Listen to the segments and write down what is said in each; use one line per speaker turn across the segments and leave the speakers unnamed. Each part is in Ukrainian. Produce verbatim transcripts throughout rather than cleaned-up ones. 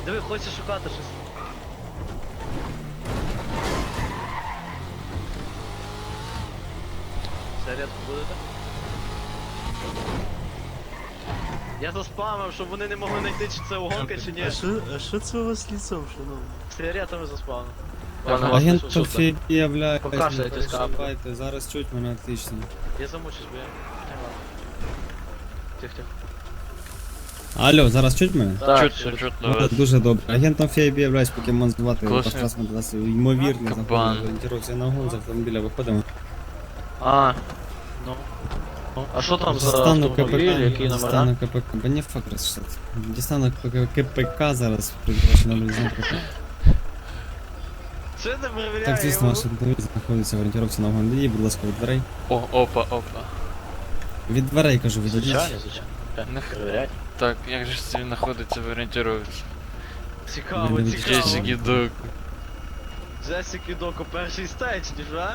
Диви, хочеш шукати щось. Це рядку будете? Я заспамив, щоб вони не могли знайти, чи це угонка, чи ні.
А що, а що це у вас ліцом, шановні?
Сигаретами заспамив.
Агент Софії являється.
Покашляйтесь, капли.
Давайте, зараз чуть мене отлично.
Я замучусь, бо я... Тихо, тихо.
Алло, зараз чуть мене?
Так,
Чуть, чуть, чуть,
Ну,
давай.
дуже добре. Агентом Фейбі являюсь покемон звати.
Класно.
Подкаст на нас ймовірно
Кабан.
заходить. Орієнтируйся на угон, з автомобіля виходимо.
А, ну. А що там за
Дістану
автомобіль,
КПК,
які номера?
дістану КПК, бо не факт розчитати. Дістану КПК зараз, придбачу номер знаку.
Чи не перевіряє
Так, звісно,
його?
ваш автомобіль знаходиться в орієнтировці на угон. Відійдіть, будь ласка, від дверей.
О, опа, опа.
Від дверей, кажу, відійдіть.
Звичайно, звичайно.
Не
Перевіряй.
Так, як же ж це він знаходиться в орієнтировці?
Цікаво,
Мене
цікаво.
відчуває.
Джесіки Док.
Джесіки Доко перший стейдж, ніж, а?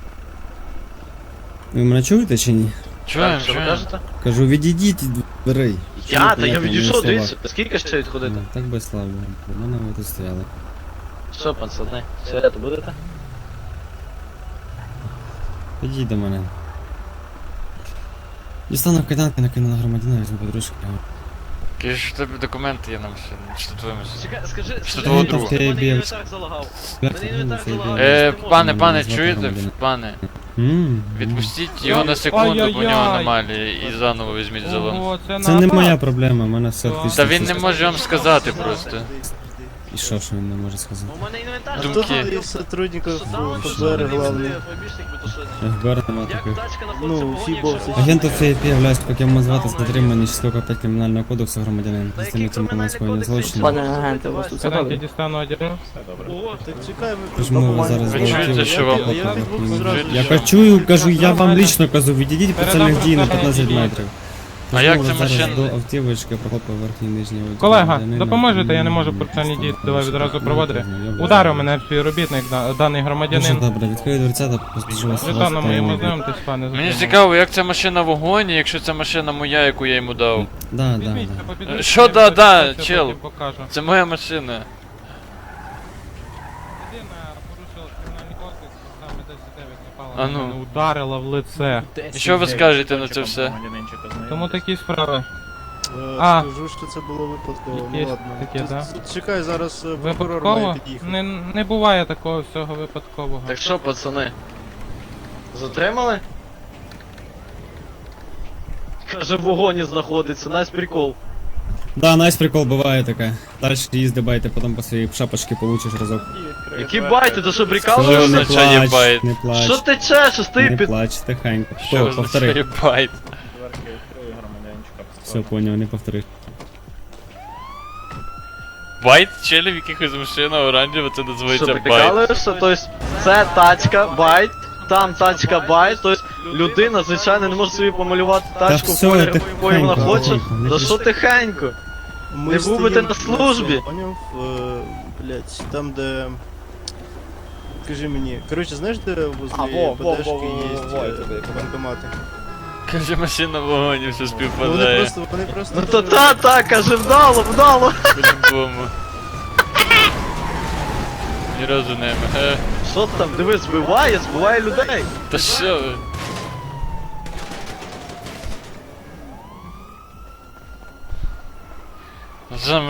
Ви мене чуєте чи ні?
Чуєм,
Так, що ви
чуєм.
кажете?
Кажу, відійдіть від дверей.
Я? Та я
Понятно,
відійшов,
мої
дивіться.
слова.
Скільки ще відходити?
Ну, так би слава. У мене ви тут стояли.
Що, пацани, сигарету будете?
Підійдіть до мене. Дістану кайданки, накину на громадянина, візьму подружки.
Кажеш, що в тебе документи є на машину, чи то твоя машина?
Чекай, скажи,
Що
скажи,
твого
мені,
друга?
в мене
Ти
інвентар залагав. Мене інвентар залагав.
Е,
я не можу.
пане, пане,
Звати
чуєте?
громадянина.
Пане,
М,
відпустіть його на секунду, бо у нього
Ай-яй-яй.
аномалії, і заново візьміть залом.
Ого, це
Це не
напад.
моя проблема, в мене все
Та
отлично.
Та він не
все.
може вам сказати просто.
І що, що він не може сказати?
У мене інвентар
А
Думки.
хто тут із сотрудників
Що там, що
ФБР
там,
главний?
фобішник би, то що?
еф бе ер нема
Як
таких.
тачка знаходиться
Ну,
в вогоні,
фібо,
якщо
це-
Агенту еф бі являюсь покемон звати з дотримання частково п'ять кримінального кодексу громадянин.
Та який
Здійснюється
кримінальний
скоєння
кодекс?
злочину.
Пане агенте, у вас тут
Кайданки
заходить.
дістану одягну.
Ого,
Так чекай, ми
Тож ми зараз
Ви чуєте, що вам-
Я- я відбув зразу.
Я качую, кажу, я вам лично кажу, відійдіть по цільних дій на п'ятнадцять метрів.
А як
Знову
це
зараз
машина?
До автівочки прохопив верхній нижній одяг.
Колега,
громадянина.
допоможете, я не можу процесуальні дії, давай відразу проводити. Ударив мене співробітник, да- даний
Дуже
громадянин.
добре, відкрию дверця та поспішу вас.
Жетоном моїм
ласкаво.
ознайомтесь, пане.
Мені
затриманий.
цікаво, як ця машина в вогоні, якщо це машина моя, яку я йому дав.
Да, да,
Візьміть,
да.
попідвищуйте,
Що
я
да,
потім
да,
потім
чел?
покажу.
Це моя машина.
Людина порушила кримінальний кодекс, саме десять дев'ять напала
А
на
ну.
мене, ударила в лице.
І що ви скажете на це все?
Тому такі справи.
Е,
А.
Скажу, що це було випадково, ну
Якесь
ладно.
таке,
Тут-
да?
тут Чекай, зараз е, прокурор має
Випадково?
під'їхати.
Не, не буває такого всього випадкового.
так що, пацани? Затримали? Каже, в вогоні знаходиться, найс прикол.
Да, найс прикол буває таке. Дальше їзди байте, потім по своїй шапочці получиш разок.
Які байти, то що
Що
прикалуєшся?
означає
плач,
байт?
не плач,
Що ти чешеш, ти
не
під...
плач, тихенько.
Що
Хто,
означає
повтори.
байт?
Все, поняв, не повтори.
Байт? Челі в якихось машина оранжева, це
Що
називається байт.
прикалуєшся? Тобто це тачка, байт, там тачка, байт, тобто людина, звичайно, не може собі помалювати тачку в
все,
кольорі,
тихенько,
якої вона хоче.
тихенько, не
Да що тихенько?
Ми
Не був би ти
стоїмо
на службі.
цьому, Поняв? Е, Блять, там де... Скажи мені, коротше, знаєш, де возле БДшки є е, банкомати?
Каже, машина в вогоні, все
Ну, Вони
співпадає.
просто, вони просто...
Ну то та, та, каже, вдало, вдало.
По-любому. Ні разу не е.
Що там, диви, збиває, збиває людей.
Та що ви? Що